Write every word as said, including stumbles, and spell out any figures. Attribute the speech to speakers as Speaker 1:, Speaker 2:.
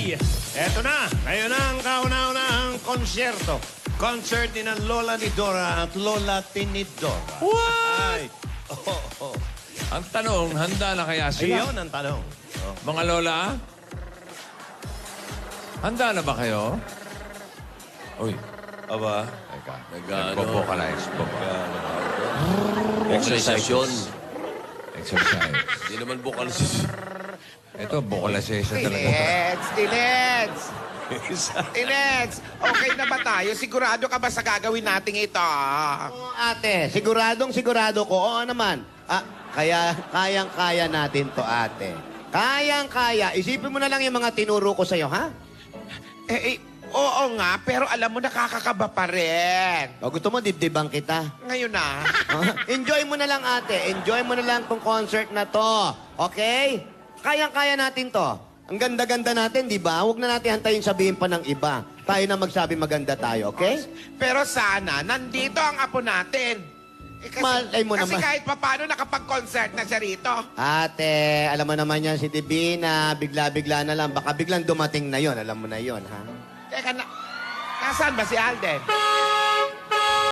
Speaker 1: Okay, eto na. Ngayon na ang kauna-unahang konsyerto. Concert ni ng Lola ni Dora at Lola Tinidor.
Speaker 2: What?
Speaker 1: Ay. Oh, oh.
Speaker 2: Ang tanong, handa na kaya sila?
Speaker 1: Ayun ang tanong. Oh.
Speaker 2: Mga lola? Handa na ba kayo? Uy,
Speaker 1: Aba,
Speaker 2: teka.
Speaker 3: Nag-ano?
Speaker 2: Nagpo-vocalize po ba?
Speaker 3: Exercise yun.
Speaker 2: Exercise.
Speaker 3: Hindi naman bukal si...
Speaker 2: Ito, vocalization talaga.
Speaker 4: Tilets! Tilets! Tilets! Okay na ba tayo? Sigurado ka ba sa gagawin nating ito?
Speaker 5: Oo, ate, siguradong sigurado ko. Oo naman. Ah, kaya, kayang-kaya natin to, ate. Kayang-kaya. Isipin mo na lang yung mga tinuro ko sa'yo, ha?
Speaker 4: Eh, eh, oo nga, pero alam mo, nakakakaba pa rin.
Speaker 5: O gusto mo, dibdibang kita.
Speaker 4: Ngayon na.
Speaker 5: Ah, Enjoy mo na lang, ate. Enjoy mo na lang tong concert na to. Okay? Kayang-kaya natin to. Ang ganda-ganda natin, di ba? Huwag na natin hantayin sabihin pa ng iba. Tayo na magsabi maganda tayo, okay?
Speaker 4: Pero sana, nandito ang apo natin. Eh, kasi,
Speaker 5: Malay mo
Speaker 4: kasi
Speaker 5: naman.
Speaker 4: kahit papano nakapag-concert na siya rito.
Speaker 5: Ate, alam mo naman yan si Divina, bigla-bigla na lang. Baka biglang dumating na yon, alam mo na yon, ha?
Speaker 4: Teka na, nasaan ba si Alden?